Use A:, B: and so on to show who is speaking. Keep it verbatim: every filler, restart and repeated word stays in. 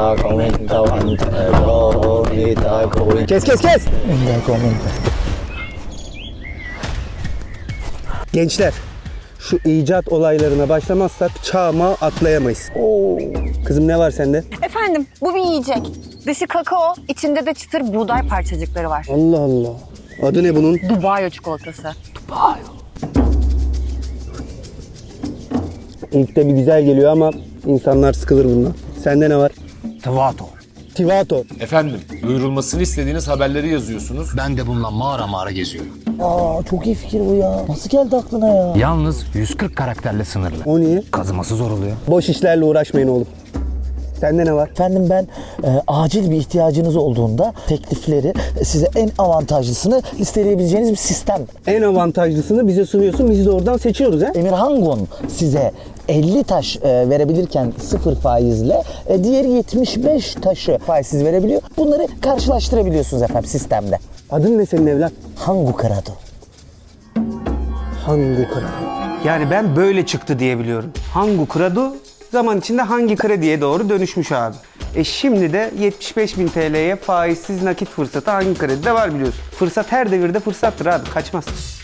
A: Kes kes kes! Gençler, şu icat olaylarına başlamazsak çağma atlayamayız. Oo. Kızım ne var sende?
B: Efendim, bu bir yiyecek. Dışı kakao, içinde de çıtır buğday parçacıkları var.
A: Allah Allah. Adı ne bunun?
B: Dubai çikolatası.
A: İlk de bir güzel geliyor ama insanlar sıkılır bundan. Sende ne var?
C: Tvato.
A: Tivato.
D: Efendim, duyurulmasını istediğiniz haberleri yazıyorsunuz.
C: Ben de bununla mağara mağara geziyorum.
E: Aa çok iyi fikir bu ya. Nasıl geldi aklına ya?
C: Yalnız yüz kırk karakterle sınırlı.
A: O niye?
C: Kazıması zor oluyor.
A: Boş işlerle uğraşmayın oğlum. Sende ne var?
E: Efendim ben e, acil bir ihtiyacınız olduğunda teklifleri e, size en avantajlısını listeleyebileceğiniz bir sistem.
A: En avantajlısını bize sunuyorsun, biz de oradan seçiyoruz ha?
E: Emirhangon size elli taş e, verebilirken sıfır faizle e, diğeri yetmiş beş taşı faizsiz verebiliyor. Bunları karşılaştırabiliyorsunuz efendim sistemde.
A: Adın ne senin evlat?
E: Hangu Karado.
A: Hangi kredi? Yani ben böyle çıktı diye biliyorum. Hangi kredi zaman içinde hangi krediye doğru dönüşmüş abi. E şimdi de yetmiş beş bin T L'ye faizsiz nakit fırsatı hangi kredide var biliyorsun. Fırsat her devirde fırsattır abi, kaçmaz.